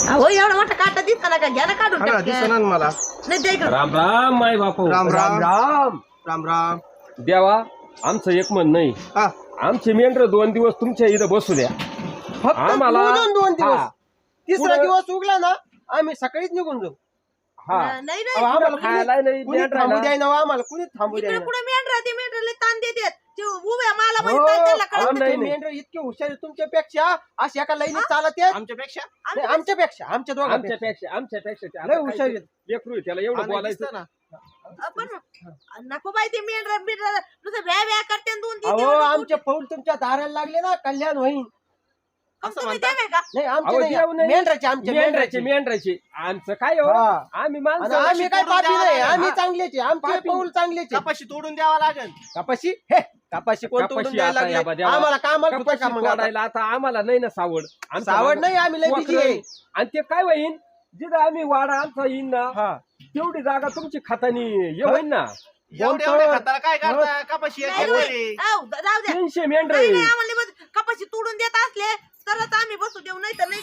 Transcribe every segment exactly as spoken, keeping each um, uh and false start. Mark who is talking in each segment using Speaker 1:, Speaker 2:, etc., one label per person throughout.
Speaker 1: अहो एवढा मोठा काटा दिसता ना का घ्या ना काढून
Speaker 2: हा ना,
Speaker 1: टाकूया.
Speaker 2: दिसना ना मला.
Speaker 1: नाही ते इकडं.
Speaker 3: राम राम माय बापू.
Speaker 2: राम राम.
Speaker 3: राम
Speaker 2: राम राम.
Speaker 3: देवा आमचं एक म्हण नाही
Speaker 2: हा
Speaker 3: आमचे मेंढर दोन दिवस तुमच्या इथं बसू द्या.
Speaker 2: फक्त
Speaker 3: आम्हाला-
Speaker 2: दोन दोन दिवस
Speaker 3: हा.
Speaker 2: तिसरा
Speaker 3: पुढं-
Speaker 2: दिवस उगला ना आम्ही सकाळीच निघून जाऊ.
Speaker 3: हा
Speaker 1: नाही नाही
Speaker 2: अहो, आम्हाला कुणी-
Speaker 3: खायला नाही
Speaker 2: कुणी
Speaker 3: मेंढराला.
Speaker 2: थांबू द्याय ना आम्हाला कुणी थांबू द्याय
Speaker 1: इकडे
Speaker 2: ना.
Speaker 1: पुढे मेंढरा ते मेंढराला ताण देतात ते उभ्या मला
Speaker 2: हो,
Speaker 1: माहित नाही त्याला
Speaker 2: अहो,
Speaker 1: कळत
Speaker 3: नाही,
Speaker 2: ते
Speaker 3: नाही.
Speaker 2: मेंढरं इतके हुशार आहे तुमच्यापेक्षा अशी एका लाईनीत चालत आहेत.
Speaker 4: आमच्यापेक्षा
Speaker 2: नाही, आमच्यापेक्षा आमच्या दोघांपेक्षा
Speaker 3: आमच्यापेक्षा आमच्यापेक्षा ते
Speaker 2: लय
Speaker 3: आता
Speaker 2: हुशार
Speaker 3: काय
Speaker 2: आहेत.
Speaker 3: ते लेकरू आहे, त्याला एवढं बोलायचं
Speaker 4: ना
Speaker 1: पण नको बाई ते मेंढरा बिंढरा नुसतं व्या व्या करते आणि दोन तीन
Speaker 2: अहो
Speaker 1: दिवस
Speaker 2: आमचे पाऊल तुमच्या दाराला लागले ना कल्याण होईल.
Speaker 1: मग
Speaker 4: असं
Speaker 1: तुम्ही
Speaker 4: म्हणता?
Speaker 1: देवे का
Speaker 2: नाही आमचे
Speaker 3: अहो,
Speaker 2: नाही,
Speaker 3: देव नाही.
Speaker 2: मेंढराचे आमचे
Speaker 3: मेंढराचे
Speaker 2: मेंढराचे
Speaker 3: मेंढराचे आमचं काय हो
Speaker 2: हा.
Speaker 3: आम्ही
Speaker 2: आणि
Speaker 3: माणसं
Speaker 2: आम्ही काय
Speaker 4: तोडून
Speaker 2: पापी
Speaker 4: द्यावं
Speaker 2: नाही
Speaker 4: लागेल.
Speaker 2: आम्ही
Speaker 3: हा.
Speaker 2: चांगलेचे आमचे
Speaker 3: पापी.
Speaker 2: पाऊल चांगलेचे.
Speaker 4: कपाशी तोडून द्यावा लागेल.
Speaker 2: कपाशी हे कपाशी कोण
Speaker 3: कपाशी
Speaker 2: तोडून द्यायला
Speaker 3: आता या
Speaker 2: लागले
Speaker 3: बद्याला.
Speaker 2: आम्हाला कामाला कुठं
Speaker 3: कपाशी
Speaker 2: का मग आता?
Speaker 3: तोडायला आता आम्हाला नाही ना सावड आमचं
Speaker 2: सावड
Speaker 3: मागं
Speaker 2: नाही आम्ही लय busy
Speaker 3: वखरं.
Speaker 2: आहे.
Speaker 3: आणि ते काय होईन जिथं आम्ही वाडा आमचा येईन ना
Speaker 2: हा
Speaker 3: तेवढी जागा तुमची खातानी हे होईन ना
Speaker 4: एवढ्या एवढ्या खताला काय करता कपाशी एक
Speaker 1: नाही,
Speaker 4: एकर
Speaker 1: नाही.
Speaker 4: आहे.
Speaker 1: आव, जाऊ द्या
Speaker 3: तीनशे मेंढर
Speaker 1: नाही नाही, आम्हाला बस कपाशी तोडून देत असले तरच आम्ही बसू देऊ नाही तर नाही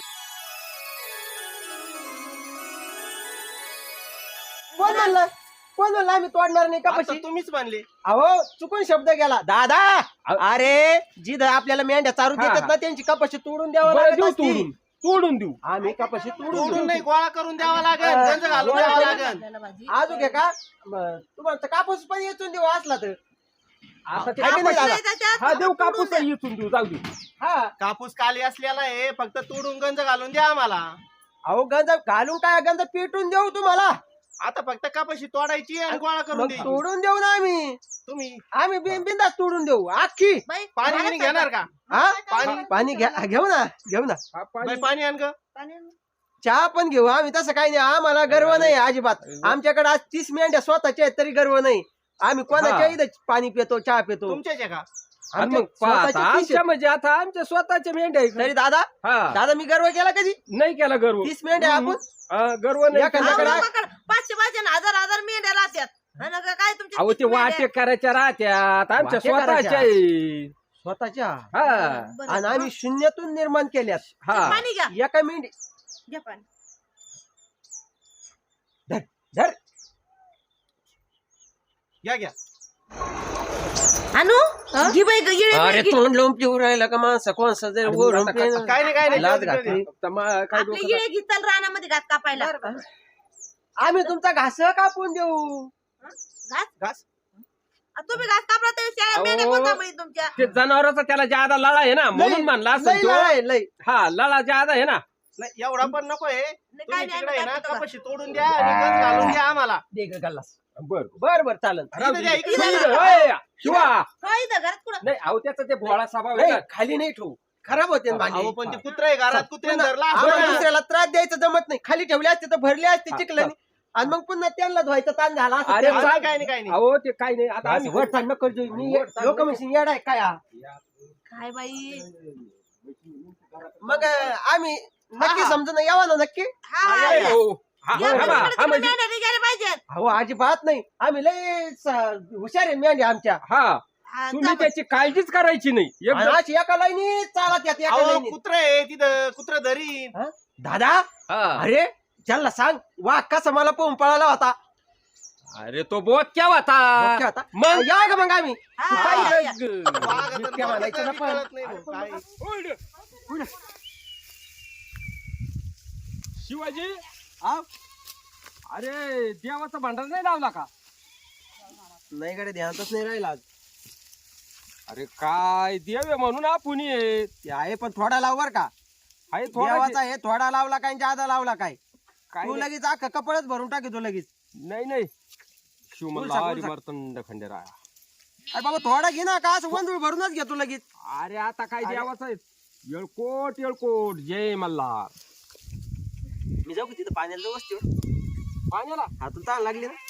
Speaker 2: कोण म्हणलं कोण म्हणलं आम्ही तोडणार नाही
Speaker 4: आता
Speaker 2: कपाशी
Speaker 4: तुम्हीच म्हणले
Speaker 2: अहो चुकून शब्द गेला दादा अरे जिथं आपल्याला मेंढ्या चारून
Speaker 3: हा,
Speaker 2: देतात
Speaker 3: हा.
Speaker 2: ना त्यांची कपाशी तोडून द्यावं
Speaker 3: बरं
Speaker 2: लागत
Speaker 3: देऊ
Speaker 2: असती.
Speaker 3: तोडून तोडून देऊ
Speaker 2: आम्ही कपाशी तोडून
Speaker 4: तोडून
Speaker 2: देऊ.
Speaker 4: नाही गोळा करून द्यावा लागेल
Speaker 2: हा.
Speaker 4: गंज घालून
Speaker 2: गोळा
Speaker 4: द्यावा
Speaker 2: करून-
Speaker 4: लागेल
Speaker 1: आपल्याला भाजी.
Speaker 2: अजून घे का म, तुम्हाला कापूस पण येचून देऊ असला तर
Speaker 3: आता ते
Speaker 2: आहे की नाही
Speaker 3: कापूस-
Speaker 2: दादा?
Speaker 1: त्याच्यात
Speaker 3: हा देऊ
Speaker 1: तोडून
Speaker 3: कापूस
Speaker 1: द्या.
Speaker 3: इथून देऊ जाऊ दे
Speaker 2: हा
Speaker 4: कापूस काली असलेला आहे फक्त तोडून गंज घालून द्या आम्हाला
Speaker 2: अहो गंज घालून काय गंज पेटून देऊ तुम्हाला
Speaker 4: आता फक्त कपाशी तोडायची आणि गोळा करून
Speaker 2: मग
Speaker 4: द्यायची
Speaker 2: तोडून देऊ ना आम्ही
Speaker 4: तुम्ही
Speaker 2: आम्ही बिंदास तोडून देऊ आखी
Speaker 1: बाई,
Speaker 4: पाणी
Speaker 1: मला
Speaker 4: बिणी घेणार का
Speaker 2: हा
Speaker 4: पाणी-
Speaker 2: पाणी घ्या घेऊ ना घेऊ ना
Speaker 3: हा,
Speaker 4: बाई,
Speaker 3: पाणी-
Speaker 4: पाणी आण ग
Speaker 1: पाणी-
Speaker 2: चहा पण घेऊ आम्ही तसं काही नाही आम्हाला गर्व नाही अजिबात आमच्याकडे आज तीस मेंढ्या स्वतःच्या आहेत तरी गर्व नाही आम्ही कोणाच्या
Speaker 3: हा.
Speaker 2: इथं पाणी पितो चहा पितो
Speaker 4: तुमच्याच आहे का
Speaker 3: आणि
Speaker 2: आणि
Speaker 3: मग
Speaker 2: मग
Speaker 3: पहा
Speaker 2: स्वतःचे
Speaker 3: आता
Speaker 2: तीस
Speaker 3: आमच्या
Speaker 2: आहेत.
Speaker 3: म्हणजे आता आमच्या स्वतःच्या मेंढ्या आहे.
Speaker 2: तरी दादा
Speaker 3: हा
Speaker 2: दादा मी गर्व केला कधी
Speaker 3: नाही केला गर्व
Speaker 2: तीस मेंढ्या आपण
Speaker 3: हा, गर्व नाही
Speaker 2: या
Speaker 3: केला.
Speaker 2: कंदाकडे-
Speaker 1: आम्हाला माकड पाचशे पाचशे आणि हजार हजार मेंढ्या राहत्यात आणि का काय तुमच्या
Speaker 3: अहो ते
Speaker 1: किती मेंढ्या?
Speaker 3: वाटे करायच्या राहत्यात आमच्या
Speaker 2: वाटे करायच्या.
Speaker 3: स्वतःच्या आहे.
Speaker 2: स्वतःच्या
Speaker 3: हा
Speaker 1: बरं.
Speaker 2: आणि आम्ही शून्यातून निर्माण केल्यात
Speaker 3: हा
Speaker 1: पाणी घ्या
Speaker 2: एका मेंढी
Speaker 1: घ्या पाणी
Speaker 2: धर धर
Speaker 4: घ्या घ्या
Speaker 1: आणू घे बाई ग, येडे
Speaker 2: अरे
Speaker 1: घे.
Speaker 2: तोंड लोंब पिऊ राहिला का माणसं कोणसा जर
Speaker 3: अरे
Speaker 2: वरून
Speaker 3: आता
Speaker 2: पेन-
Speaker 4: काय नाही काय नाही
Speaker 2: लाज
Speaker 4: जाऊ दे,
Speaker 2: घातली.
Speaker 3: आता मा- काय
Speaker 1: आपले
Speaker 3: डोकं
Speaker 1: येळे घेताल रानामध्ये घात कापायला
Speaker 2: आम्ही तुमचा घास कापून देऊ
Speaker 1: घास
Speaker 4: घास
Speaker 1: आ, तुम्ही घास कापला तर शेळ्या
Speaker 3: अहो.
Speaker 1: मेंढ्या कोणत्या बाई तुमच्या
Speaker 3: ते जनावराचा त्याला जादा लळा आहे ना म्हणून म्हणला
Speaker 2: लय
Speaker 3: असं तो.
Speaker 2: लढाई, लय
Speaker 3: हा लळा जादा आहे ना
Speaker 4: नाही एवढा पण नको आहे
Speaker 1: नाही,
Speaker 4: तुम्ही
Speaker 1: काय नाही,
Speaker 4: तिकडे आहे ना
Speaker 1: आम्ही काय
Speaker 4: कपाशी तोडून द्या आणि गंज घालून द्या आम्हाला
Speaker 2: दे ग गल्लास
Speaker 3: बर
Speaker 2: बर बर चालन
Speaker 4: इथं द्या, इकडे
Speaker 1: इथं
Speaker 4: द्या.
Speaker 1: द्या.
Speaker 3: शिवा
Speaker 1: काय इथं घरात कुठं
Speaker 3: नाही अहो त्याचा ते भोळा स्वभाव आहे
Speaker 2: नाही
Speaker 3: ना.
Speaker 2: खाली नाही ठेवू खराब होते ना भांडी.
Speaker 4: अहो पण ते कुत्रा आहे घरात कुत्र्याने धरला असं
Speaker 2: आम्हाला
Speaker 4: ना.
Speaker 2: दुसऱ्याला त्रास द्यायचं जमत नाही खाली ठेवले असते तर भरले असते
Speaker 3: हा,
Speaker 2: चिखलानी आणि मग पुन्हा त्यांना धुवायचं ताण झाला असता.
Speaker 3: अरे
Speaker 4: काय
Speaker 2: त्याला-
Speaker 4: नाही, काय नाही काय नाही
Speaker 3: अहो ते काही नाही आता
Speaker 2: असं
Speaker 3: आम्ही
Speaker 2: वर ताण नको करू. मी
Speaker 3: वर ताण
Speaker 2: लोक
Speaker 3: नको.
Speaker 2: म्हणशील येडा आहे काय हा?
Speaker 1: काय बाई
Speaker 2: मग अं, आम्ही नक्की
Speaker 4: हा.
Speaker 2: समजून यावा ना नक्की
Speaker 1: हा
Speaker 4: हा,
Speaker 1: या.
Speaker 4: या.
Speaker 3: हो. हा,
Speaker 1: या
Speaker 3: हा,
Speaker 1: पलीकडे
Speaker 3: हा, हा,
Speaker 1: तिकडे
Speaker 3: म्हणजे-
Speaker 1: मेंढ्या निघायला पाहिजेत
Speaker 2: अहो अजिबात नाही आम्ही लय स- हुशार आहे मेंढ्या आमच्या
Speaker 3: हा
Speaker 1: हा,
Speaker 3: तुम्ही
Speaker 1: जा
Speaker 3: त्याची काळजीच करायची नाही
Speaker 2: आणि
Speaker 3: एकदम
Speaker 2: अशी एका लाईनी चालत येत एका
Speaker 4: अहो
Speaker 2: लाईनीत.
Speaker 4: कुत्रा आहे तिथं कुत्रा धरीन
Speaker 2: हा? दादा
Speaker 3: हा.
Speaker 2: अरे त्यांना सांग वा कसा मला पोहून पळाला होता
Speaker 3: अरे तो बोत क्या होता
Speaker 2: ओके होता.
Speaker 3: मग
Speaker 2: या ग मग आम्ही
Speaker 1: हा,
Speaker 2: काय
Speaker 1: या, या.
Speaker 3: ग-
Speaker 4: वाघ तर
Speaker 2: बिबट्या म्हणायचं ना
Speaker 4: बघितलं
Speaker 2: पण.
Speaker 4: कळत नाही भाऊ, काय.
Speaker 3: ओढ. शिवाजी
Speaker 2: आ?
Speaker 3: अरे देवाचा भांडार नाही लावला का
Speaker 2: नाही कडे ध्यानातच नाही राहिला आज.
Speaker 3: अरे काय देव आहे म्हणून आपण आहे
Speaker 2: ते आहे पण थोडा लाव बर का
Speaker 3: हाय थोडा
Speaker 2: देवाचा आहे थोडा लावला काय जादा लावला काय
Speaker 3: काय
Speaker 2: तू
Speaker 3: नाही.
Speaker 2: लगेच अख्खा कपडच भरून टाकी तू लगेच
Speaker 3: नाही नाही
Speaker 2: बोल
Speaker 3: शिवमल्ला
Speaker 2: सांग, बोल
Speaker 3: हरी
Speaker 2: सांग.
Speaker 3: मार्तंड खंडेराया
Speaker 2: अरे बाबा थोडा घे ना का असं वंदूळ भरूनच घेतो लगेच
Speaker 3: अरे आता काय
Speaker 2: अरे.
Speaker 3: देवाचं आहे येळकोट येळकोट जय मल्हार
Speaker 2: मी जाऊ का तिथं पाण्याला जाऊ वस्तीवर
Speaker 3: पाण्याला
Speaker 2: हातून ताण लागली ना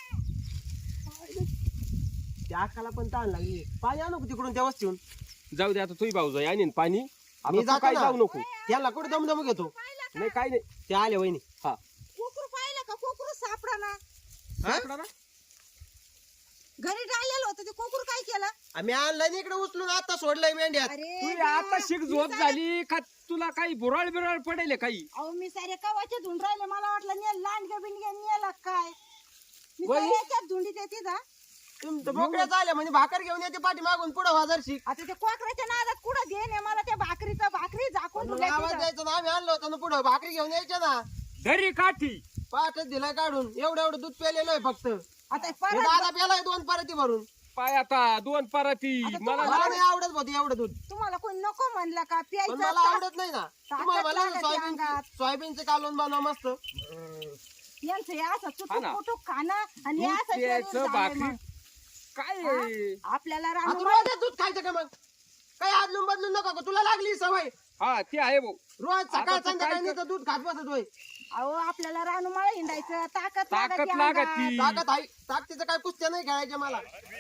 Speaker 2: त्या अक्काला पण ताण लागली पाणी आणू का तिकडून त्या वस्तीहून
Speaker 3: जाऊ दे आता तुही भाऊ जाई आणि पाणी आता
Speaker 2: मी
Speaker 3: तू
Speaker 2: जातो
Speaker 3: काय
Speaker 2: ना.
Speaker 3: जाऊ नको
Speaker 2: त्याला कुठे दमदम घेतो
Speaker 3: नाही काय नाही
Speaker 2: ते आले वहिनी
Speaker 3: हा
Speaker 1: कोकरू पाहिलं का कोकरू सापडा ना
Speaker 3: सापडा ना?
Speaker 5: घरी राहिलेलं होतं ते कोकूर काय केलं?
Speaker 2: आम्ही आणलं इकडे उचलून आता सोडलंय मेंढ्यात.
Speaker 5: अरे
Speaker 3: तुझी
Speaker 5: देवा,
Speaker 3: आता शिक
Speaker 5: मी
Speaker 3: झोप
Speaker 5: सारे-
Speaker 3: झाली का तुला काही बुराळ बिराळ पडेल काही?
Speaker 5: अहो मी सारे कवाचे धुंड राहिले, मला वाटलं ने लांडग्या बिंडग्या नेला काय. मी
Speaker 2: वही?
Speaker 5: सारे याच्यात धुंडीत येते जा.
Speaker 2: तुमचं बोकड्या झाल्या म्हणजे भाकर घेऊन येते पाठी मागून पुढं वाजर शिक.
Speaker 5: आता ते कोकराच्या नादात कुठं देणे मला त्या भाकरीचा भाकरी झाकून
Speaker 2: मग
Speaker 5: ठेवल्या
Speaker 2: आवाज
Speaker 5: तिथं.
Speaker 2: द्यायचा ना, आम्ही आणलो होतो ना पुढं भाकरी घेऊन यायच्या ना.
Speaker 3: घरी काठी
Speaker 2: पाठच दिलाय काढून, एवढं एवढं दूध प्यालेलं आहे फक्त.
Speaker 5: आता
Speaker 2: हे
Speaker 5: परत
Speaker 2: दादा प्यालाय दोन परती भरून.
Speaker 3: पाय आता दोन पराती
Speaker 5: आता
Speaker 3: मला
Speaker 5: तुम्हाला-
Speaker 2: मला नाही आवडत होती एवढं दूध,
Speaker 5: तुम्हाला कोणी नको म्हणलं का
Speaker 2: पण
Speaker 5: प्यायचं
Speaker 2: मला
Speaker 5: का?
Speaker 2: आवडत नाही ना.
Speaker 5: ताकद
Speaker 2: तुम्हाला मला
Speaker 5: लागते
Speaker 2: सोयाबीन
Speaker 5: अंगात.
Speaker 2: सोयाबीनचं कालवण बनवा मस्त.
Speaker 5: यांचं हे असं
Speaker 3: हा
Speaker 5: चुटूक
Speaker 3: ना.
Speaker 5: पुटूक खाणं आणि हे
Speaker 3: दूध
Speaker 5: असं शरीर
Speaker 3: प्यायचं,
Speaker 5: झालंय
Speaker 3: भाकरी
Speaker 5: मग.
Speaker 3: काय
Speaker 5: हा?
Speaker 3: आहे?
Speaker 5: आपल्याला
Speaker 2: आता
Speaker 5: रानू
Speaker 2: रोज दूध खायचं का मग? काही आदलून बदलून नको का? तुला लागली सवय
Speaker 3: हा ते आहे भाऊ.
Speaker 2: रोज सकाळ
Speaker 3: आता तू
Speaker 2: संध्याकाळी
Speaker 3: काय
Speaker 2: नुसतं दूध खात बसत होय.
Speaker 5: अहो आपल्याला रानूमाळा हिंडायचं ताकद
Speaker 3: ताकद
Speaker 5: लागते
Speaker 3: लागती.
Speaker 5: अंगात.
Speaker 2: ताकद आहे, ताकदीचं काय कुस्त्या नाही खेळायच्या मला.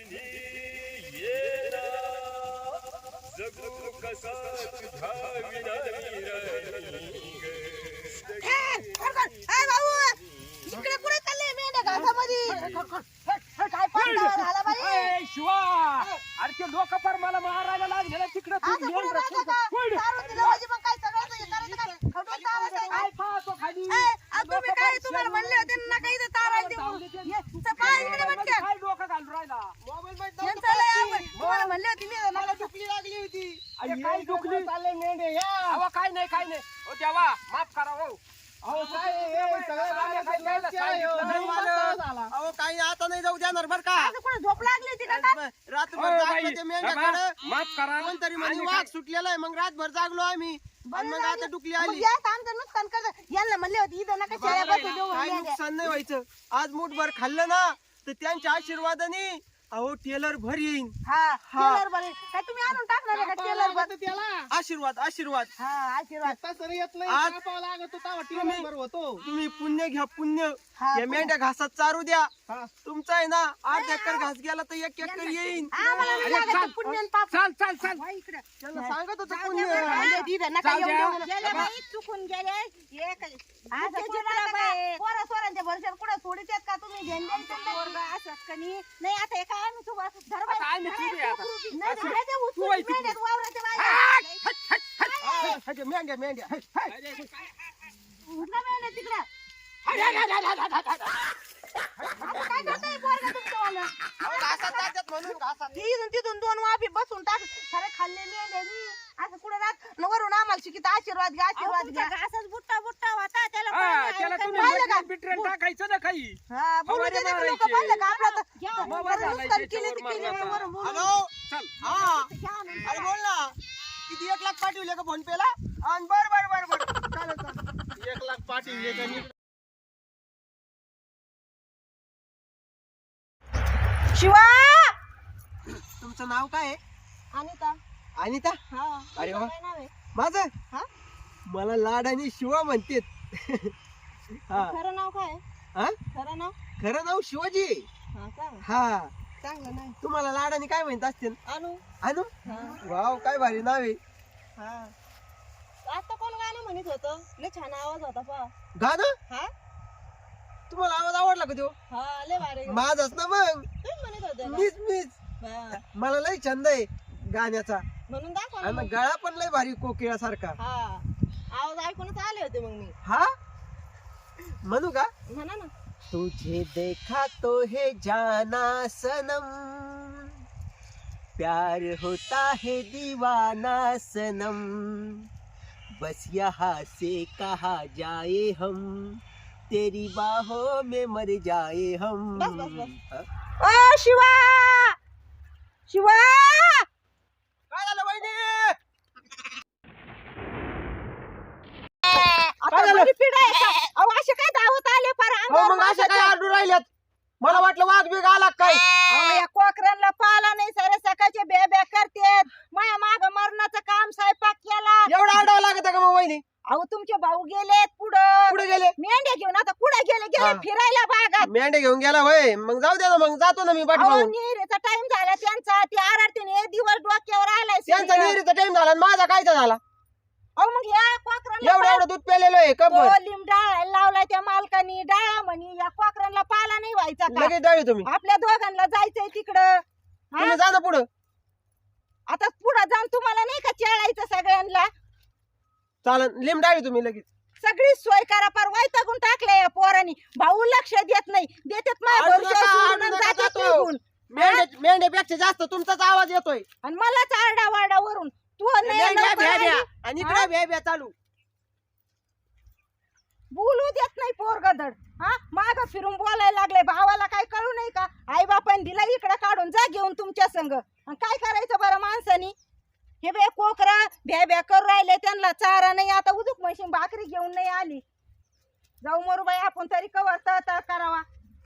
Speaker 5: ए, खरखर. ए, भाऊ इकडे कुठे चालले मेंढ्या घासामध्ये? काय पांढरा झाला बाई?
Speaker 3: ए, शिवा अरे ते लोक पर मला मारायला लागले तिकडे
Speaker 5: असं कुठे राहतं का? दारू दिलं म्हणजे मग काय सगळं हे करायचं काय? खडून चावायचं आहे
Speaker 3: काय
Speaker 5: काय?
Speaker 3: खातो खाली
Speaker 5: ए, आ, तुम्ही काय तुम्हाला म्हणले होते ना काही इथं तारा देऊ. ये, तर पाय इकडे बटक्यात.
Speaker 3: काय डोकं घालून राहिला?
Speaker 2: मोबाईल मध्ये
Speaker 5: यांचं लय आवड. तुम्हाला म्हणले होते मी
Speaker 2: मला दुखली लागली होती.
Speaker 3: अरे काय दुखली?
Speaker 2: चालले मेंढे या.
Speaker 3: अहो काय नाही काय नाही हो देवा माफ करा हो.
Speaker 2: अहो काय हे सगळं बागाचं लक्ष आहे, हो.
Speaker 3: नाही
Speaker 2: मालक. अहो काही आता नाही जाऊ देणार बर का.
Speaker 5: असं कुठे झोप लागली होती का काय?
Speaker 2: रात्रभर
Speaker 3: ओ,
Speaker 2: जागलो
Speaker 3: बाई,
Speaker 2: ते
Speaker 3: बाबा,
Speaker 2: मेंढ्याकडं.
Speaker 3: माफ करा
Speaker 2: कोणतरी म्हणे
Speaker 3: आणि
Speaker 2: वाघ
Speaker 3: काय-
Speaker 2: सुटलेला आहे, मग रातभर जागलो आम्ही आणि मग आता डुकली
Speaker 5: मग
Speaker 2: आली.
Speaker 5: या आमचं नुकसान करत यांना म्हणले होते इथं नका शेळ्या बसू देऊ
Speaker 2: काय
Speaker 5: मेंढ्या.
Speaker 2: नुकसान नाही व्हायचं. आज मुठभर खाल्लं ना तर त्यांच्या आशीर्वादाने अहो टेलर भर येईन.
Speaker 5: हा
Speaker 2: हा.
Speaker 5: टेलर बरे काय तुम्ही आणून टाकणार आहे का टेलर बर?
Speaker 2: आशीर्वाद आशीर्वाद.
Speaker 5: हा आशीर्वाद.
Speaker 2: आज तुम्ही पुण्य घ्या पुण्य.
Speaker 5: हा,
Speaker 2: या मेंढ्या घासात चारू द्या.
Speaker 4: हा.
Speaker 2: तुमचा आहे ना आठ एकर घास गेला तर एक एकर येईन.
Speaker 5: आम्हाला नाही
Speaker 3: अरे,
Speaker 5: लागत
Speaker 3: चाल.
Speaker 5: ते पुण्य आणि पाप.
Speaker 3: चाल चाल चाल
Speaker 5: वा इकडं.
Speaker 2: त्यांना सांगत होतं
Speaker 5: जाऊ
Speaker 2: पुण्य.
Speaker 5: दे बरं, राहिले तिथं, नका
Speaker 3: जाऊ
Speaker 5: येऊ
Speaker 3: द्या.
Speaker 5: देऊ. गेले बाई, चुकून गेले. हे काय- असं कुठं राहतं का? पोरं सोरांच्या भरशावर कुठं सोडीत आहेत का तुम्ही? झेंडे बिंडे पोरगं असंच का नाही? नाही, आता हे काय आम्ही सुबा- धर बाई.
Speaker 3: आता आम्ही सुबे आता.
Speaker 5: नाही, नाही, दे दे उचलून
Speaker 3: तू बाई, तू.
Speaker 5: मेंढ्यात वावराच्या बाहेर.
Speaker 2: हा, हा, मेंढ्या मेंढ्या.
Speaker 5: उठला मेंढ्या तिकडं. आता काय करताय पोरगं तुमचंवालं?
Speaker 2: अहो, घासात जातात म्हणून घासात.
Speaker 5: हे इथून तिथून दोन वाफी बसून टाक सारे खाल्ले मेंढ्यानी असं कुठं राहत न वरून आम्हाला शिकित आशीर्वाद घ्या आशीर्वाद घ्या असंच बुट्टा बुट्टा होता त्याला
Speaker 3: हा,
Speaker 5: पाणी
Speaker 3: त्याला
Speaker 5: आहे,
Speaker 3: तुम्ही
Speaker 5: पाहिलं का?
Speaker 3: मटण बिटरण टाकायचं ना काही.
Speaker 5: हा बोलू
Speaker 3: फवारे
Speaker 5: दे लोक
Speaker 3: मारायचे.
Speaker 5: पाहिलं का आपला तर-
Speaker 3: फवारे
Speaker 5: जरा
Speaker 3: घालायचे
Speaker 5: नुकसान केली
Speaker 3: त्याच्यावर
Speaker 5: ती केली
Speaker 3: मारण्याचा.
Speaker 5: वरून बोलू.
Speaker 2: हॅलो
Speaker 3: चल
Speaker 2: हा
Speaker 5: घ्या ना.
Speaker 2: अरे बोल ना किती एक लाख पाठवले का फोन पे ला? आणि बर बर बर बर चालेल चालेल.
Speaker 4: एक लाख पाठवले का नीट?
Speaker 5: शिवा
Speaker 2: तुमचं नाव काय आहे?
Speaker 5: अनिता
Speaker 2: अनिता.
Speaker 5: हा
Speaker 2: अरे वा.
Speaker 5: काय नाव आहे?
Speaker 2: माझं
Speaker 5: हा?
Speaker 2: मला लाड आणि शिवा म्हणतेत. हा
Speaker 5: खरं नाव काय आहे?
Speaker 2: हा?
Speaker 5: खरं नाव
Speaker 2: खरं नाव शिवाजी आहे.
Speaker 5: हा का
Speaker 2: हा
Speaker 5: चांगलं नाही
Speaker 2: तुम्हाला लाडाने काय म्हणत असतील?
Speaker 5: अनु
Speaker 2: अनु
Speaker 5: हा
Speaker 2: वाव काय भारी नाव आहे.
Speaker 5: हा आता कोण गाणं म्हणत होतं लय छान आवाज होता पा
Speaker 2: गाणं
Speaker 5: हा
Speaker 2: तुम्हाला आवाज आवडला का तो?
Speaker 5: हा लय भारी
Speaker 2: माझाच ना मग.
Speaker 5: तुम्ही म्हणत होते ना?
Speaker 2: मीच मीच
Speaker 5: हा.
Speaker 2: मला लय छंद आहे गाण्याचा
Speaker 5: म्हणून दाखवा ना
Speaker 2: आणि
Speaker 5: मग.
Speaker 2: गळा पण लय भारी कोकिळासारखा.
Speaker 5: हा आवाज ऐकूनच आले होते मग मी
Speaker 2: हा म्हणू का?
Speaker 5: म्हणा ना
Speaker 2: तुझे देखा तो है जाना सनम प्यार होता है दीवाना सनम बस यहाँ से कहा जाए हम तेरी बाहों में मर जाए हम.
Speaker 5: बस, बस, बस.
Speaker 2: हा?
Speaker 5: ओ शिवा शिवा
Speaker 2: काय झालं वहिनी?
Speaker 5: आता
Speaker 2: काय झालं?
Speaker 5: बरी पिढा आहे का? अहो असे काय धावत आले फार
Speaker 2: हो मग अशा काय आरडू राहिल्यात? मला वाटलं वाघ बिग आला का काय.
Speaker 5: अहो या कोकरांना पाला नाही सारे सकाळचे बे बे करतेत माया माग मरणाचं काम स्वयंपाक केला
Speaker 2: एवढा आरडावं लागत का मग वहिनी?
Speaker 5: अहो तुमचे भाऊ गेलेत पुढं
Speaker 2: कुठे गेले?
Speaker 5: मेंढ्या घेऊन आता पुढे गेले गेले
Speaker 2: हा.
Speaker 5: फिरायला बागात
Speaker 2: मेंढे घेऊन गेला होय. मग जाऊ दे ना मग जातो ना मी
Speaker 5: अहो
Speaker 2: पाठवून.
Speaker 5: निहिरीचा टाइम झाला त्यांचा ते आरडतीने एक दिवस डोक्यावर आलाय
Speaker 2: त्यांचा
Speaker 5: सूर्य.
Speaker 2: निरीचा टाइम झाला आणि माझा कायचा झाला?
Speaker 5: अहो मग या कोकरांना
Speaker 2: एवढं एवढं दूध पेलेलं आहे
Speaker 5: तो
Speaker 2: कबर
Speaker 5: लिंब डाळायला लावलाय त्या मालकानी डाळा म्हणी या कोकरांना पाला नाही व्हायचा का
Speaker 2: लगेच डाळी तुम्ही
Speaker 5: आपल्या दोघांना जायचंय तिकडं हा?
Speaker 2: तुम्ही जा ना पुढं
Speaker 5: आता पुढे जाऊन तुम्हाला नाही का चेळायचं सगळ्यांना
Speaker 2: चालन लिंब डाळी तुम्ही लगेच
Speaker 5: सगळी सोय करा पार वैतागून टाकले या पोरांनी भाऊ लक्ष देत नाही देतात माझ्या
Speaker 2: आडू
Speaker 5: भरोश्यावर
Speaker 2: नका,
Speaker 5: सोडून
Speaker 2: आडू
Speaker 5: आणि
Speaker 2: नका
Speaker 5: जातात
Speaker 2: जातो.
Speaker 5: निघून.
Speaker 2: मेंढ्या मेंढ्यापेक्षा जास्त तुमचाच आवाज येतोय
Speaker 5: आणि मलाच आरडा वारडा वरून तू नाही
Speaker 2: मेंढ्या
Speaker 5: लवकर
Speaker 2: भ्या भ्या
Speaker 5: आली.
Speaker 2: आणि इकडे भ्या भ्या चालू
Speaker 5: बोलू देत नाही पोरगदड हा माग फिरून बोलायला लागले भावाला काय कळू नाही का आई बापाने दिला इकडे काढून जा घेऊन तुमच्या संग आणि काय करायचं बरं माणसानी हे बे कोकरा भ्या भ्या करू राहिले त्यांना चारा नाही आता उदूक म्हशी भाकरी घेऊन नाही आली जाऊ मरुबाई आपण तरी कवर तळ करावा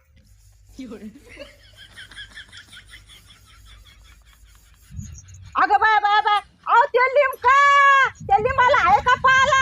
Speaker 5: अगं बाय बाय बाय अहो ते लिंब का त्या लिंबाला आहे का पाला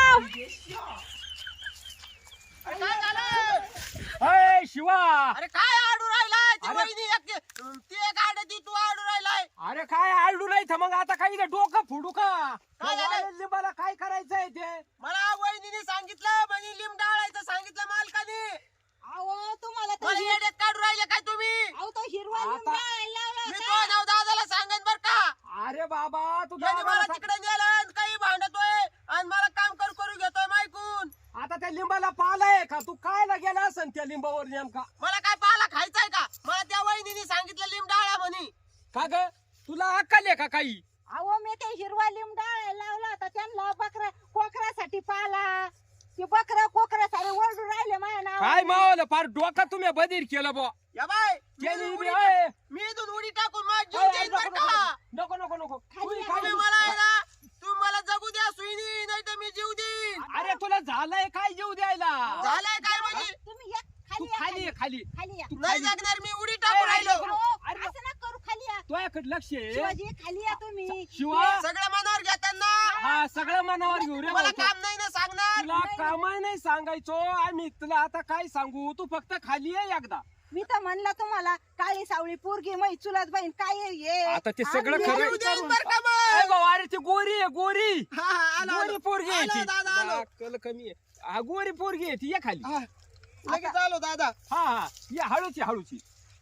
Speaker 3: अय शिवा
Speaker 2: अरे काय आडू राहिलाय ती
Speaker 3: अरे-
Speaker 2: वहिनी एक ती एक आडती तू आडू राहिलाय
Speaker 3: अरे काय आडू नाही तर मग आता काही इथं डोकं फोडू का
Speaker 2: काय झालं?
Speaker 3: त्या लिंबाला काय करायचंय ते
Speaker 2: मला वहिनीने सांगितलं म्हणे लिंब डाळायचं सांगितलं मालकाने
Speaker 5: अहो तुम्हाला तर
Speaker 2: मला
Speaker 5: हिर-
Speaker 2: येड्यात काढू राहिले काय तुम्ही
Speaker 5: अहो तो हिरवा लिंब
Speaker 3: आता-
Speaker 5: डाळायला लावला
Speaker 2: मी
Speaker 5: होता.
Speaker 2: तो नाव दादाला सांगेन बर का
Speaker 3: अरे बाबा तू
Speaker 2: यांनी मला
Speaker 3: दादाला
Speaker 2: तिकडे नेलं आणि काही भांडतोय आणि मला काम करू करू घेतोय मायकून
Speaker 3: सांग. आता त्या लिंबाला पालाय का तू कायला गेला असन त्या लिंबावर नेमका
Speaker 2: मला काय पाला खायचाय का मला त्या वहिनीने सांगितलं लिंब डाळा म्हणे
Speaker 3: का ग तुला अक्कल आहे का काही
Speaker 5: अहो मी ते हिरवा लिंब डाळायला लावला होता त्यांना बकरा कोकरासाठी पाला ते बकरा कोकरा सारे ओरडून राहिले माझ्या नाव
Speaker 3: काय मावलं फार डोकं तुम्ही बधीर केलं बा
Speaker 2: या बाय मी
Speaker 3: केली
Speaker 2: इथून
Speaker 3: बी,
Speaker 2: उडी
Speaker 3: अय.
Speaker 2: टा- मी इथून उडी टाकून माझ जीव
Speaker 3: अय,
Speaker 2: देईन
Speaker 3: नको,
Speaker 2: बर का
Speaker 3: नको नको नको
Speaker 5: खाली
Speaker 3: तुम्ही
Speaker 5: या,
Speaker 3: काय-
Speaker 2: तुम्ही मला आहे ना तुम्ही मला जगू द्या सुईनी नाही तर मी जीव देईन
Speaker 3: अरे तुला झालंय काय जीव द्यायला
Speaker 2: झालंय काय म्हणजे
Speaker 5: तुम्ही एक
Speaker 3: तू
Speaker 5: खाली या,
Speaker 3: खाली ये, खाली
Speaker 5: खाली या.
Speaker 3: तू
Speaker 2: नाही
Speaker 3: खाली
Speaker 2: जगणार मी उडी टाकून राहिलो
Speaker 5: अहो,
Speaker 3: अरे-
Speaker 5: असं नका करू खाली या
Speaker 3: तुझ्याकडे लक्ष आहे
Speaker 5: शिवाजी खाली या तुम्ही
Speaker 3: शिवा
Speaker 2: सगळं मनावर घेताना
Speaker 3: हा सगळं मनावर घेऊ रे
Speaker 2: मला
Speaker 3: भाऊ.
Speaker 2: काम नाही ना सांगणार
Speaker 3: तुला कामाय नाही सांगायचो आम्ही तुला आता काय सांगू तू फक्त खाली ये एकदा
Speaker 5: मी तर म्हणलं तुम्हाला काळी सावळी पोरगी मै चुलत बहीण काय आहे हे
Speaker 3: आता ते सगळं
Speaker 5: आम्ही
Speaker 3: खरं-
Speaker 2: जीव
Speaker 5: जीव
Speaker 2: देईन
Speaker 5: करून-
Speaker 2: बर का
Speaker 3: अरे
Speaker 2: मग
Speaker 3: भाऊ, अरे ती गोरी आहे गोरी
Speaker 2: हा, हा, आलो,
Speaker 3: गोरी
Speaker 2: आलो.
Speaker 3: पोरगी आहे
Speaker 2: आलो,
Speaker 3: ती.
Speaker 2: दादा, आलो.
Speaker 3: अक्कल कमी आहे हा गोरी पोरगी आहे ती ये खाली
Speaker 2: हा, लगेच आलो दादा
Speaker 3: हा हा ये हळूची हळूची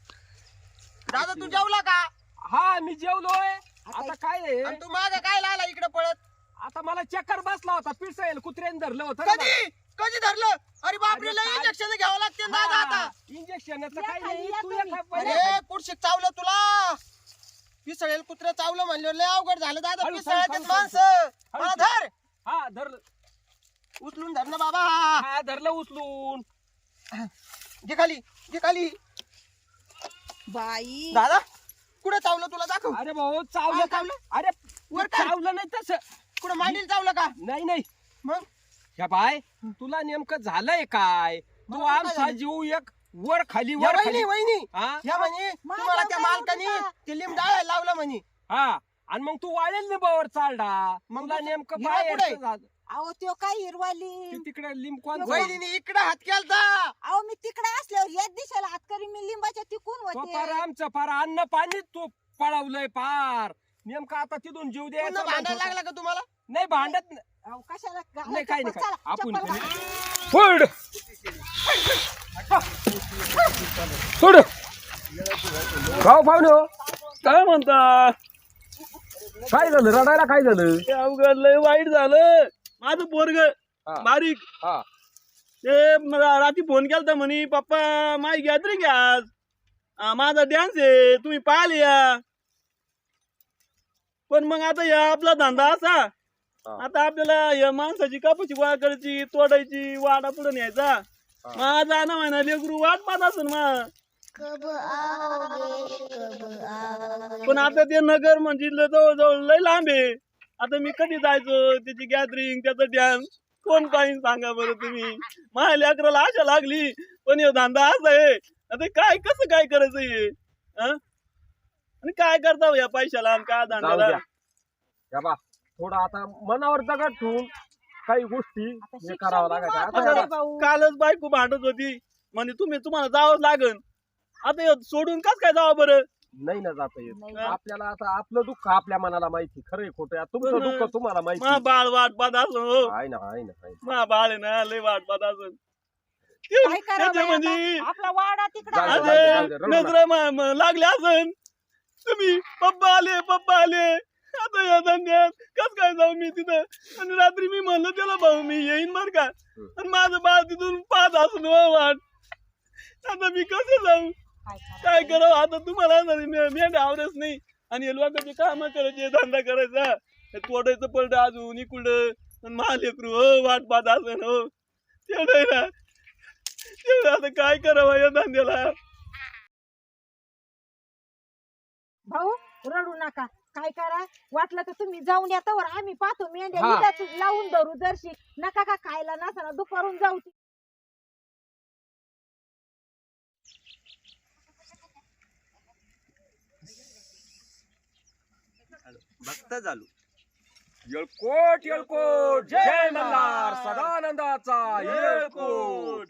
Speaker 2: दादा तू जेवला का
Speaker 3: हा मी जेवलोय आता काय आहे
Speaker 2: आणि तू माग काय लाला इकडे पळत
Speaker 3: आता मला चक्कर बसला होता पिसायला कुत्र्याने धरलं होतं ना
Speaker 2: कधी कधी धरलं अरे बापरे
Speaker 3: अरे
Speaker 2: लय
Speaker 3: काय-
Speaker 2: इंजेक्शन घ्यावं लागते ना दादा आता
Speaker 3: इंजेक्शनचं
Speaker 5: या
Speaker 3: काही
Speaker 5: खाली,
Speaker 3: नाही
Speaker 5: या
Speaker 3: तू
Speaker 5: तुम्ही.
Speaker 3: एका
Speaker 2: अरे
Speaker 3: पहिले
Speaker 2: कुठशिक चावलं तुला पिसळेल कुत्र चावलं म्हणलं लय अवघड झालं दादा
Speaker 3: हळू,
Speaker 2: पिसळ्यात
Speaker 3: हळू,
Speaker 2: माणसं
Speaker 3: हळू.
Speaker 2: मला धर
Speaker 3: हा धरलं
Speaker 2: उचलून धर ना बाबा
Speaker 3: हा धरलं उचलून
Speaker 2: घे खाली घे खाली
Speaker 5: बाई
Speaker 2: दादा कुठे चावलं तुला दाखव
Speaker 3: अरे भाऊ चावलं
Speaker 2: हा,
Speaker 3: का
Speaker 2: चावलं?
Speaker 3: अरे
Speaker 2: वर काय?
Speaker 3: चावलं नाही तसं
Speaker 2: कुठे मांडील चावलं का
Speaker 3: नाही नाही
Speaker 2: मग
Speaker 3: या बाय तुला नेमकं झालंय काय तू
Speaker 2: मला काय
Speaker 3: आमचा
Speaker 2: झालं?
Speaker 3: जीव एक वर खाली
Speaker 2: या
Speaker 3: वर
Speaker 2: वहिनी
Speaker 3: खाली
Speaker 2: वहिनी
Speaker 3: हा
Speaker 2: या म्हणे
Speaker 5: माझ्या
Speaker 2: तुम्हाला त्या
Speaker 5: काय
Speaker 2: मालकानी
Speaker 5: होतं का?
Speaker 2: ते लिंब डाळायला लावलं म्हणे
Speaker 3: हा आणि मग तू वाळेल लिंबावर चालडा
Speaker 2: मग
Speaker 3: तुला
Speaker 2: तू-
Speaker 3: नेमकं
Speaker 2: हिरा
Speaker 3: बाहेर
Speaker 2: कुठे?
Speaker 3: झालं
Speaker 5: अहो त्यो काय हिरवाली
Speaker 3: तिकडे लिंब कोण
Speaker 2: वहिनीने इकडे हात केलता
Speaker 5: अहो मी तिकडे असल्यावर याच दिशेला हात करी मी लिंबाच्या तिकून
Speaker 3: तो
Speaker 5: होते
Speaker 3: पार आमचं पार अन्न पाणी तू पळवलंय पार नेमकं आता तिथून जीव
Speaker 2: पुन्हा
Speaker 3: द्यायचा
Speaker 2: भांडायला
Speaker 3: म्हणतो.
Speaker 2: लागला का तुम्हाला
Speaker 3: नाही भांडत नाही.
Speaker 5: अहो कशाला
Speaker 3: नाही काय नाही काय
Speaker 5: चला,
Speaker 3: आपण
Speaker 5: चप्पल
Speaker 3: कोणी-
Speaker 5: घाला.
Speaker 3: सोड सोड गाव पाहुणे हो काय म्हणता काय झालं रडायला काय झालं
Speaker 6: अवघड लय वाईट झालं माझं पोरग
Speaker 3: हा.
Speaker 6: बारीक
Speaker 3: हा
Speaker 6: ते मला रात्री फोन केलता म्हणे पप्पा माझी गॅदरिंग आहे आज हा, माझा डान्स आहे तुम्ही पाहिले या पण मग आता या आपला धंदा असा आता आपल्याला या माणसाची कापाची गोळा करायची तोडायची वाडा पुढे न्यायचा माझा ना म्हणा लेकरू वाट पाहत असेल मग पण आता ते नगर म्हणजे जवळ लय लांब आहे आता मी कधी जायचो त्याची गॅदरिंग त्याचा डॅन्स कोण पाहिजे सांगा बरं तुम्ही माझ्या लेकराला आशा लागली पण हे धंदा असा आहे आता काय कसं काय करायचं हे हं? आणि काय करता या पैशाला आणि काय
Speaker 3: जाऊ
Speaker 6: धंद्याला
Speaker 3: द्या या बा थोडं आता मनावर दगड ठेवून काही गोष्टी
Speaker 5: आता
Speaker 3: हे
Speaker 5: शिक्षण
Speaker 3: करावं
Speaker 5: बी
Speaker 3: लागायचं
Speaker 5: महत्वाचं
Speaker 3: आता
Speaker 5: आहे भाऊ.
Speaker 6: कालच बायको भांडत होती म्हणजे तुम्ही तुम्हाला जावंच लागन आता हे सोडून कस काय जावं बरं
Speaker 3: नाही ना जाता येत
Speaker 5: नाही.
Speaker 3: आपल्याला आता आपलं दुःख आपल्या मनाला माहिती खरंय खोटं तुमचं
Speaker 6: बरं.
Speaker 3: दुःख तुम्हाला माहिती
Speaker 6: मा बाळ वाट पाहत असं हो
Speaker 3: आहे ना आहे ना आहे ना.
Speaker 6: मा बाळ आहे ना लय वाट पाहत असं
Speaker 5: काय करावं बाई
Speaker 6: त्याच्यामध्ये
Speaker 5: आता? आपला वाडा तिकडे
Speaker 3: जाऊ दे,
Speaker 5: आहे.
Speaker 3: जाऊ दे, जाऊ दे, रडू नका.
Speaker 6: नजरा मा- म- लागले असन तुम्ही पप्पा आले पप्पा आले आता या धंद्यात कस काय जाऊ मी तिथं आणि रात्री मी म्हणलं त्याला भाऊ मी येईन बर का आणि माझं बाळ तिथून पाच असून हो वाट आता मी कसं जाऊ
Speaker 5: काय करावं?
Speaker 6: काय करावं आता तुम्हाला मेंढ आवडच नाही आणि हे लोकांचे काम करायचे धंदा करायचा हे तोडायचं पडलं अजून इकडं मा लेकरू हो वाट पाहत असन हो तेवढं आहे ना तेवढं आता काय करावं या धंद्याला
Speaker 5: भाऊ रडू नका काय करा वाटलं तर तुम्ही जाऊन या तवर आम्ही पाहतो मेंढ्या
Speaker 3: हा.
Speaker 5: इथंच लावून धरू जरशी नका का खायला नसताना दुपारून जाऊ
Speaker 2: बघता झालो.
Speaker 3: येळकोट येळकोट जय मल्हार सदानंदाचा येळकोट.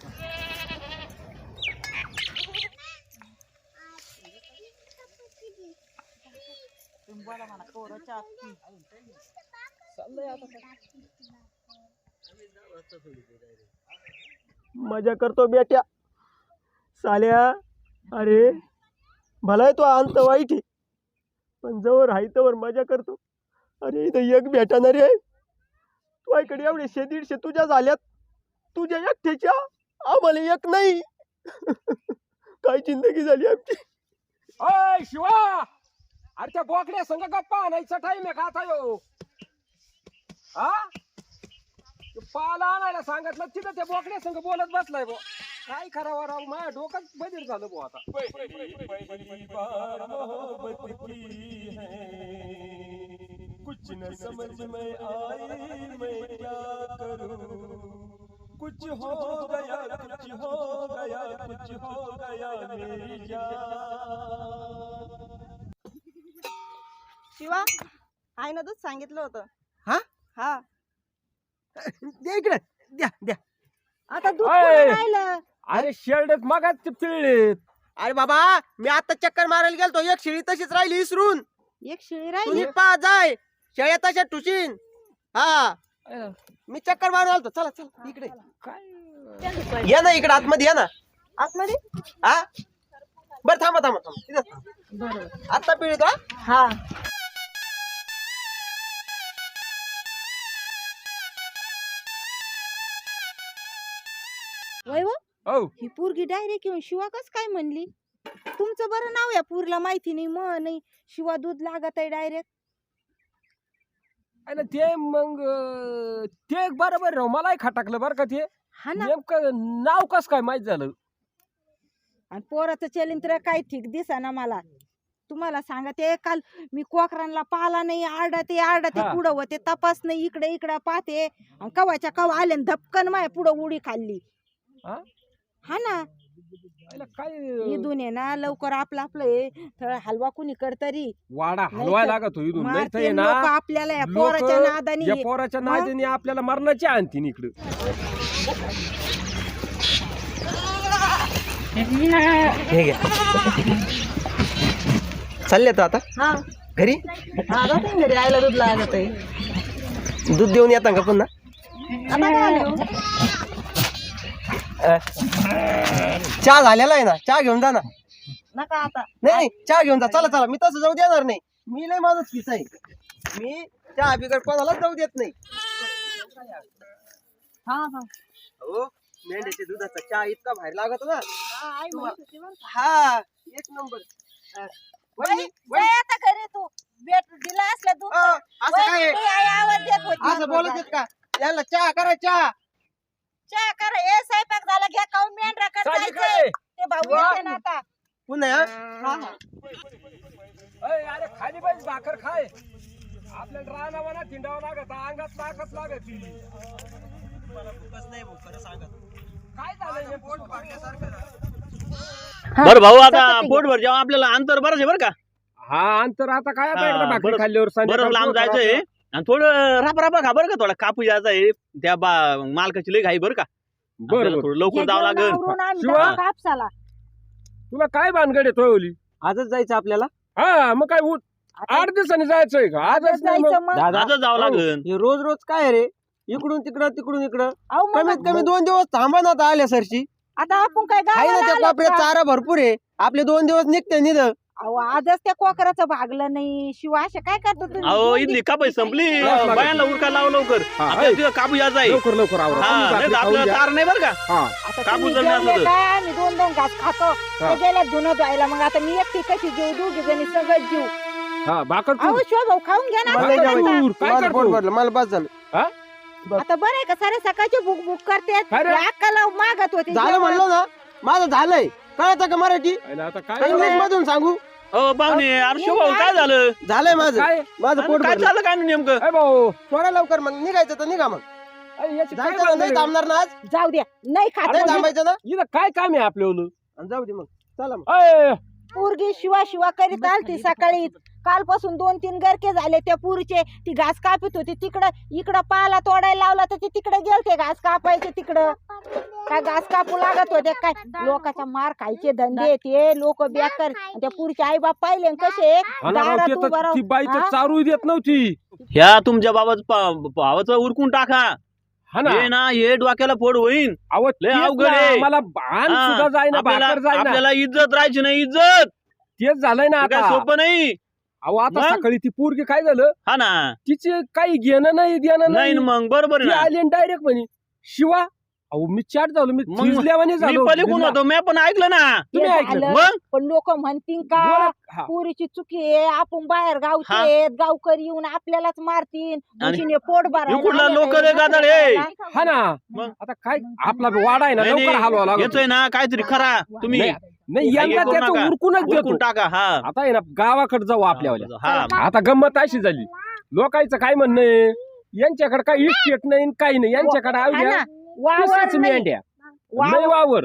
Speaker 2: मजा करतो बेट्या साल्या. अरे भलाय तो अंत वाईट आहे पण जवळ आहे तवर मजा करतो. अरे इथं एक भेटणार आहे तुझ्याकडे एवढे शे दीडशे तुझ्या झाल्यात तुझ्या एकट्याच्या आम्हाला एक नाही. काय जिंदगी झाली आमची.
Speaker 3: अय शिवा अरे त्या बोकड्या संग गप्पा आणायचा टाइम आहे का आता यो हा तो पाला आणायला सांगितलं तिथं त्या बोकड्या संग बोलत बसलाय बो काय करावं राव माझ्या डोकं बधीर झालं बो आता.
Speaker 2: कुछ न समझ में आई मैं क्या करूं. कुछ हो गया कुछ हो गया कुछ हो गया मेरी जान.
Speaker 5: शिवा आईनं दूध सांगितलं होतं
Speaker 2: हा?
Speaker 5: हा
Speaker 2: द्या इकडे द्या द्या.
Speaker 5: आता दूध
Speaker 3: अय.
Speaker 5: कुठं राहिलं
Speaker 3: अरे शेरडेत मगाच ते पिळलेत.
Speaker 2: अरे बाबा मी आता चक्कर मारायला गेलतो एक शिळी तशीच राहिली इसरून.
Speaker 5: एक शिळी
Speaker 2: तुम्ही
Speaker 5: राहिली
Speaker 2: पा जाय शेळ्या तशा टुशीन. हा मी चक्कर मारून आलतो. चला चला इकडे
Speaker 3: काय
Speaker 2: या ना इकडे आतमध्ये या ना.
Speaker 5: आतमध्ये
Speaker 2: हा बरं थांबा थांबा थांबा तिथं
Speaker 5: बरोबर
Speaker 2: आता पिळी का.
Speaker 5: हा वय वो
Speaker 3: हो
Speaker 5: ही पोरगी डायरेक्ट येऊन शिवा कस काय म्हणली. तुमचं बरं नाव या पोरीला माहिती नाही म नाही शिवा दूध लागत आहे डायरेक्ट.
Speaker 3: आणि ते मग अं, ते बरोबर राव मलाही खटाकलं बरं का ते
Speaker 5: हा ना
Speaker 3: नेमकं नाव कस काय माहित झालं.
Speaker 5: आणि पोराचं चलिंत्र काय ठीक दिसा ना मला. तुम्हाला सांगते काल मी कोकरांना पाला नाही आरडते आरडते
Speaker 3: हा.
Speaker 5: पुढं होते तपास नाही इकडे इकडे पाहते आणि कवाच्या कवा आले आणि धपकन माय पुढं उडी खाल्ली.
Speaker 3: हा?
Speaker 5: हा ना
Speaker 3: याला काय
Speaker 5: इथून आहे ना लवकर आपलं आपलं हे थोडा हलवा कुणी कर तरी
Speaker 3: वाडा
Speaker 5: नाही
Speaker 3: हलवाय
Speaker 5: तर
Speaker 3: लागत हो इथून नाही तर
Speaker 5: मारते
Speaker 3: हे ना
Speaker 5: लोकं आपल्याला या
Speaker 3: लोकं
Speaker 5: पोराच्या नादानी.
Speaker 3: या पोराच्या
Speaker 5: मग?
Speaker 3: नादीने आपल्याला मरणाची आणतीन इकडं.
Speaker 2: हे घ्या चालले तर आता
Speaker 5: हा
Speaker 2: घरी.
Speaker 5: हा जाते घरी आईला दूध लागत आहे.
Speaker 2: दूध देऊन येता का पुन्हा.
Speaker 5: आता काय आलो?
Speaker 2: अ, चहा झालेला आहे ना चहा घेऊन जा ना.
Speaker 5: नका आता
Speaker 2: नाही नाही चहा घेऊन जा. चला चला मी तसं जाऊ देणार नाही. मी लय माझंच किस आहे. मी चहा बिगर कोणालाच जाऊ देत नाही.
Speaker 5: हा हा
Speaker 2: हो मेंढ्याच्या दुधाचा चहा इतका बाहेर लागत ना.
Speaker 5: हा, आई म्हणत होती बरं का.
Speaker 2: हा एक नंबर. अ, वहिनी,
Speaker 5: वय आता घरी तू भेट दिला असला दूध
Speaker 2: अ, असं काय आहे?
Speaker 5: वय, आई आवाज देत होती.
Speaker 2: असं बोलत आहेत का याला चहा करा चहा.
Speaker 5: चहा करा ए स्वयंपाक झाला घ्या खाऊन मेंढरा कर
Speaker 3: साधी
Speaker 5: जायचंय.
Speaker 3: काय?
Speaker 5: ते भाऊ
Speaker 2: वा.
Speaker 5: येते ना आता.
Speaker 2: पुन्हा हा?
Speaker 5: हा हा
Speaker 3: अय, अरे खाली पाहिजे भाकर खाय आपल्याला रानावा ना थिंडावं लागत अंगात ताकद लागत ती. काय झालं हे पोट
Speaker 6: बरं भाऊ आता
Speaker 5: चपाती घे.
Speaker 6: पोटभर जेव्हा आपल्याला अंतर बरंच आहे बरं का.
Speaker 3: हा अंतर आता काय आता
Speaker 6: हा,
Speaker 3: एकदा भाकरी
Speaker 6: बरं-
Speaker 3: खाल्ल्यावर
Speaker 6: बरं
Speaker 3: संध्याकाळी
Speaker 6: लांब
Speaker 3: पोट
Speaker 6: जायचंय
Speaker 3: खराब.
Speaker 6: आणि थोडं रापा रापा खा बरं का थोडा कापू जायचा आहे त्या बा मालकाची लई घाई बरं का.
Speaker 3: बरं
Speaker 6: आपल्याला
Speaker 3: बरं
Speaker 6: थोडं लवकर
Speaker 5: हे
Speaker 6: जावं
Speaker 5: घेऊन
Speaker 6: लागेल.
Speaker 5: आवरून आम्ही
Speaker 3: शिवा.
Speaker 5: जाऊ कापसाला.
Speaker 3: तुला काय भानगड आहे तोय ओली
Speaker 2: आजच जायचं आपल्याला.
Speaker 3: हा मग काय उ- आठ दिवसांनी जायचंय का आजच नाही मग.
Speaker 5: जायचं मग.
Speaker 2: दादा
Speaker 4: आजच जावं लागेल.
Speaker 2: हे रोज रोज काय रे, इकडून तिकडं तिकडून इकडं.
Speaker 5: अहो मग
Speaker 2: कमीत कमी दोन दिवस थांबा ना आता आल्या सरशी.
Speaker 5: आता आपण काय
Speaker 2: आहे ना
Speaker 5: गावाला
Speaker 2: त्या
Speaker 5: आलोत
Speaker 2: कोपऱ्यात
Speaker 5: का?
Speaker 2: चारा भरपूर आहे, आपले दोन दिवस निघते निध.
Speaker 5: अहो आजच त्या कोकराचं भागलं नाही. शिवाय असं काय करतो तुम्ही?
Speaker 4: अहो
Speaker 5: दोन
Speaker 4: इथली
Speaker 5: दिवस-
Speaker 4: कापाई संपली.
Speaker 3: लाव, लाव.
Speaker 4: बायांना उरका लाव लवकर.
Speaker 3: हा,
Speaker 4: आपल्याला तिथं काबू यायचा आहे.
Speaker 3: लवकर लवकर आवरा.
Speaker 4: हा
Speaker 3: तुम्ही
Speaker 4: नाही तर
Speaker 3: बाकी खाऊन
Speaker 4: आपल्याला
Speaker 3: घ्या.
Speaker 4: तार नाही बरं का.
Speaker 3: हा
Speaker 5: आता
Speaker 4: काबू
Speaker 5: तुम्ही
Speaker 4: जर नाही
Speaker 5: जेवले
Speaker 4: असलं तर.
Speaker 5: काय? आम्ही दोन दोन घास खातो.
Speaker 3: हा.
Speaker 5: ते गेल्या धुणं धुवायला. मग आता मी एकटी कशी जीव दोघी जणी सगळं जीव.
Speaker 3: हा भाकर
Speaker 5: अहो
Speaker 3: तू.
Speaker 5: शिव भाऊ खाऊन घ्या ना.
Speaker 3: मला
Speaker 5: आता
Speaker 3: नाही
Speaker 5: आता.
Speaker 3: जेवायचं. काय करतो?
Speaker 2: मला बस झालं.
Speaker 5: आता बरं आहे का सारे सकाळचे बुक बुक करते
Speaker 3: काय रे?
Speaker 5: अक्काला मागत होती
Speaker 2: झालं
Speaker 5: जेवण.
Speaker 2: म्हणलं ना, माझं झालंय. कळतं का मराठी?
Speaker 3: आयला आता काय
Speaker 2: इंग्लिश मधून सांगू.
Speaker 4: अहो पाहुणे अरे शिवभाऊ काय झालं.
Speaker 2: झालंय माझं.
Speaker 3: काय
Speaker 2: माझं पोट
Speaker 4: काय
Speaker 2: भरलं.
Speaker 4: झालं काय नेमकं.
Speaker 3: ए भाऊ
Speaker 2: थोडा लवकर मग निघायचं तर निघा. मग
Speaker 3: अरे याची काय
Speaker 2: जायचं ना, नाही
Speaker 3: भानगड आहे?
Speaker 2: थांबणार ना आज.
Speaker 5: जाऊ द्या नाही खात
Speaker 2: नाही
Speaker 5: म्हणजे
Speaker 2: थांबायचं ना.
Speaker 3: इथं काय काम आहे आपल्याला.
Speaker 2: आणि जाऊ दे मग. चला मग.
Speaker 3: अय,
Speaker 5: पोरगी शिवा शिवा करीत आलती सकाळी. कालपासून दोन तीन गरके झाले त्या पुरीचे. ती घास कापत होती तिकडं. इकडं पाला तोडायला लावला तर ती तिकडे गेलते घास कापायचे तिकडं. काय घास कापू लागत होते काय. लोकांचा मार खायचे धंदे ते लोक बेकार. त्या पुरीचे आई बाप पाहिले न कसे
Speaker 3: हा ना राव,
Speaker 5: दारात
Speaker 3: ते तर-
Speaker 5: उभं राहून.
Speaker 3: ती बाई तर
Speaker 5: हा?
Speaker 3: चारू देत नव्हती.
Speaker 4: ह्या तुमच्या बाबाचं भावाचं उरकून टाका.
Speaker 3: हा ना
Speaker 4: हे ना हे डोक्याला फोड होईन.
Speaker 3: अहो
Speaker 4: लय
Speaker 3: तेच
Speaker 4: अवघड
Speaker 3: ना,
Speaker 4: आहे.
Speaker 3: मला भान
Speaker 4: हा,
Speaker 3: सुद्धा जाईना
Speaker 4: आपल्याला
Speaker 3: भाकर जाईना.
Speaker 4: आपल्याला इज्जत राहायची नाही. इज्जत
Speaker 3: तेच झालंय ना
Speaker 4: हे काय
Speaker 3: आता.
Speaker 4: सोपं नाही.
Speaker 3: अहो आता
Speaker 4: मग?
Speaker 3: सकाळी ती पोरगी काय झालं,
Speaker 4: हा ना
Speaker 3: तिचे काही घेणं नाही देणं
Speaker 4: नाही
Speaker 3: नाही.
Speaker 4: ना मग बरोबर आहे
Speaker 3: ती
Speaker 4: ना.
Speaker 3: आली डायरेक्ट म्हणे शिवा. अहो मी चाट झालो, मी
Speaker 4: मग
Speaker 3: थिजल्यावानी
Speaker 4: मी
Speaker 3: झालो.
Speaker 4: पलीकडून
Speaker 3: बिल्ला.
Speaker 4: होतो मी पण ऐकलं ना.
Speaker 3: तुम्ही
Speaker 5: हे
Speaker 3: ऐकलं?
Speaker 5: झालं.
Speaker 4: मग
Speaker 5: पण लोक म्हणतील का
Speaker 3: बोला. हा.
Speaker 5: पुरीची चुकी आहे. आपण बाहेर गावचे
Speaker 4: हा.
Speaker 5: आहेत. गावकरी येऊन आपल्यालाच मारतील. दुसरीने पोट
Speaker 4: इकडला
Speaker 5: भरायला
Speaker 4: लोक
Speaker 5: आले
Speaker 4: रे
Speaker 5: काय,
Speaker 4: गादाड हे.
Speaker 3: हा ना
Speaker 4: मग?
Speaker 3: आता काय आपला वाडा आहे ना,
Speaker 4: नाही,
Speaker 3: लवकर हलवा लागतो.
Speaker 4: येतोय ना काहीतरी खरा तुम्ही
Speaker 3: नाही, नाही
Speaker 4: हे
Speaker 3: यंदा
Speaker 4: करू
Speaker 3: त्याचं
Speaker 4: नका.
Speaker 3: उरकूनच देतो.
Speaker 4: उरकून टाका. हा
Speaker 3: आता आहे ना गावाकडे जाऊ आपल्यावाल्या.
Speaker 4: हा
Speaker 3: आता गंमत अशी झाली, लोकांचं काय म्हणणं आहे, यांच्याकडे काही इस्टेट नाही न काही नाही, यांच्याकडे
Speaker 5: हा
Speaker 3: आवड्या
Speaker 5: ना. वावर
Speaker 3: तीसच
Speaker 5: नाही.
Speaker 3: मेंढ्या
Speaker 5: वावर.
Speaker 3: नाही वावर.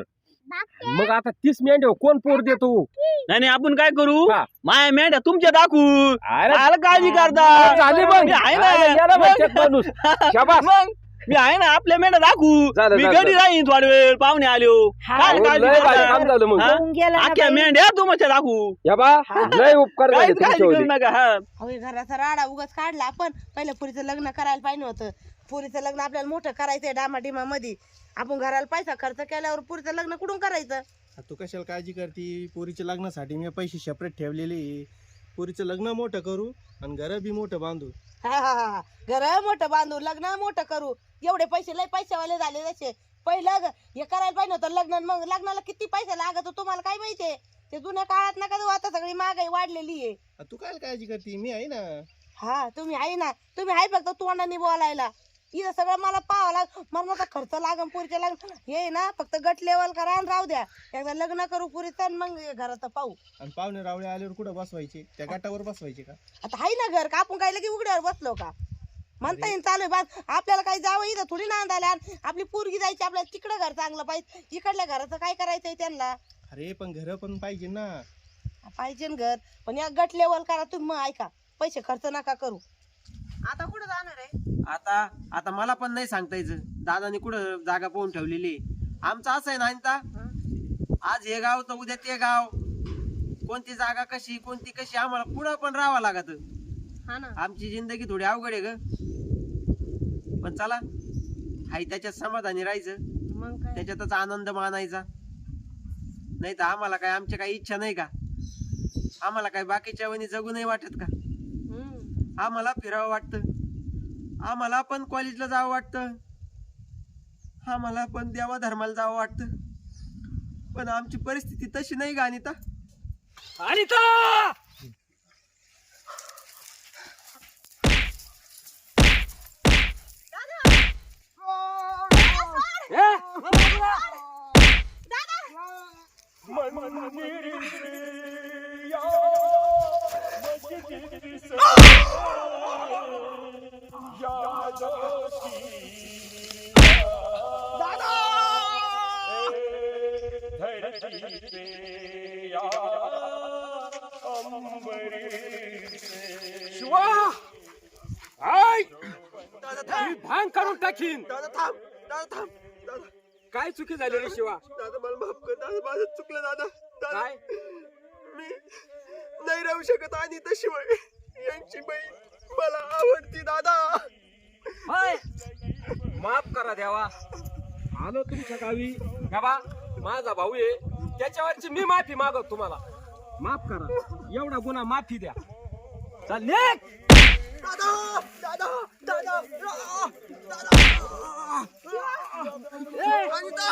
Speaker 3: मग आता तीस मेंढ्या कोण पोर देतो.
Speaker 4: नाही नाही आपण काय करू
Speaker 3: हा.
Speaker 4: माया मेंढ्या तुमच्या दाखवू.
Speaker 3: अरे
Speaker 4: आला काळजी करता.
Speaker 3: झाली मग.
Speaker 4: मी आहे ना.
Speaker 3: अरे याला
Speaker 4: मग.
Speaker 3: म्हणतात माणूस. शाबास.
Speaker 4: मग मी आहे ना आपल्या मेंढ्या दाखवू.
Speaker 3: झालं,
Speaker 4: मी
Speaker 3: झालं.
Speaker 4: घरी राहीन थोडा वेळ पाहुणे आलो.
Speaker 5: हा.
Speaker 4: काय
Speaker 3: हो,
Speaker 4: काळजी
Speaker 3: लय भारी
Speaker 4: करता?
Speaker 3: काम झालं मग.
Speaker 4: हा?
Speaker 5: होऊन गेला ना
Speaker 4: आख्या
Speaker 5: बाई.
Speaker 4: मेंढ्या तुमच्या दाखवू.
Speaker 3: या बा लय उपकार झाले
Speaker 4: काहीच काळजी करू
Speaker 3: तुमच्यावरती.
Speaker 4: नका. हा
Speaker 1: अहो हे घराचा राडा उगाच काढला आपण. पहिलं पुरीचं लग्न करायला पाहिजे होतं. पुरीचं लग्न आपल्याला मोठं करायचंय डामाडिमा मध्ये. आपण घराला पैसा खर्च केल्यावर पुरीचं लग्न कुठून करायचं.
Speaker 6: तू कशाला काळजी करती? पोरीच्या लग्नासाठी मी पैसे सेपरेट ठेवलेले आहे. पोरीचं लग्न मोठं करू आणि घर बी मोठं बांधू.
Speaker 1: हा हा हा घर मोठं बांधू लग्न मोठं करू. एवढे पैसे लय पैशावाले झाले तसे. पहिलं ग- हे करायला पाहिजे होतं लग्न. मग लग्नाला किती पैसा लागत तुम्हाला काय माहितीये. ते जुन्या काळात नका जाऊ. आता सगळी महागाई वाढलेली आहे.
Speaker 6: आ, तू काय काळजी करती? मी आहे ना.
Speaker 1: हा तुम्ही आहे ना. तुम्ही आहे फक्त तोंडाने बोलायला. इथं सगळं मला पाहावं लाग. मरणाचा खर्च लागन पुरीच्या लग्न. हे ना फक्त गट लेवल करा आणि राहू द्या. एकदा लग्न करू पुरीचं मग घरात पाहू.
Speaker 6: आणि पाहुणे रावळे आल्यावर कुठं बसवायचे? त्या गटावर बसवायचे का?
Speaker 1: आता आहे ना घर का आपण काय लगे उघड्यावर बसलो का. म्हणता येईल चालू आहे बस. आपल्याला काही जावं इथं थोडी नांदायला. आपली पोरगी जायची आपल्याला तिकडं घर चांगलं पाहिजे. इकडल्या घराचं काय करायचंय त्यांना.
Speaker 6: अरे पण घर पण पाहिजे ना.
Speaker 1: पाहिजे ना घर. पण या गट लेवल करा तुम्ही. मग ऐका पैसे खर्च नका करू. आता कुठं जाणार आहे.
Speaker 2: आता आता मला पण नाही सांगता यायचं. दादाने कुठं जागा पाहून ठेवलेली. आमचं असं आहे ना अनिता, आज हे गाव तर उद्या ते गाव. कोणती जागा कशी कोणती कशी आम्हाला पुढं पण राहावं लागत.
Speaker 1: हा ना.
Speaker 2: आमची जिंदगी थोडी अवघड आहे ग. पण चला हाय त्याच्यात समाधानी राहायचं.
Speaker 1: मग काय.
Speaker 2: त्याच्यातच आनंद मानायचा. नाही तर आम्हाला काय आमच्या काही इच्छा नाही का? आम्हाला काय बाकीच्या वनी जगू नाही वाटत का?
Speaker 1: हम्म.
Speaker 2: आम्हाला फिरावं वाटतं. आम्हाला पण कॉलेजला जावं वाटतं. आम्हाला पण देवा धर्माला जावं वाटतं. पण आमची परिस्थिती तशी नाही का अनिता?
Speaker 3: अनिता शिवा आय मी भांग काढून टाकीन.
Speaker 2: दादा थांब. दादा थांब. दादा
Speaker 3: काय चुकी झाली रे शिवा.
Speaker 2: दादा मला माफ कर. दादा माझं चुकलं दादा. दादा
Speaker 3: काय
Speaker 2: मी नाही राहू शकत आणि शिवाय यांची बहीण मला आवडती दादा.
Speaker 3: हाय, माफ करा देवा. आलो तुमच्या गावी बाबा, माझा भाऊ आहे, त्याच्यावरची मी माफी मागतो तुम्हाला. माफ करा, एवढा गुन्हा माफी द्या. चल निघ.
Speaker 2: दादा दादा दादा दादा अनिता.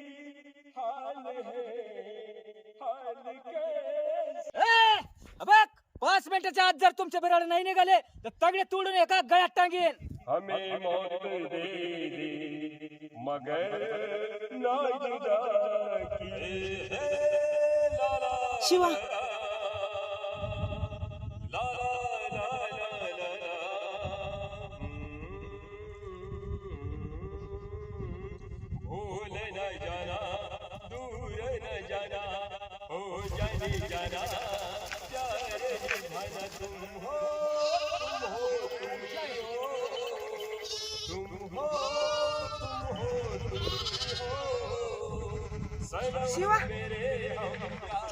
Speaker 7: ए, बघ, पाच मिनिटाच्या आत जर तुमचे बिराड नाही निघाले तर तगडे तोडून एका गळ्यात टांगेन.
Speaker 3: हमें मौत दे दे मगर ना जुदा किए.
Speaker 1: शिवा
Speaker 3: भूल न जाना, दूर न जाना, हो जाने जाना, प्यार निभाना तुम हो, तुम हो, तुम हो, तुम हो, तुम हो, तुम हो, सनम
Speaker 1: शिवा
Speaker 3: मेरे हम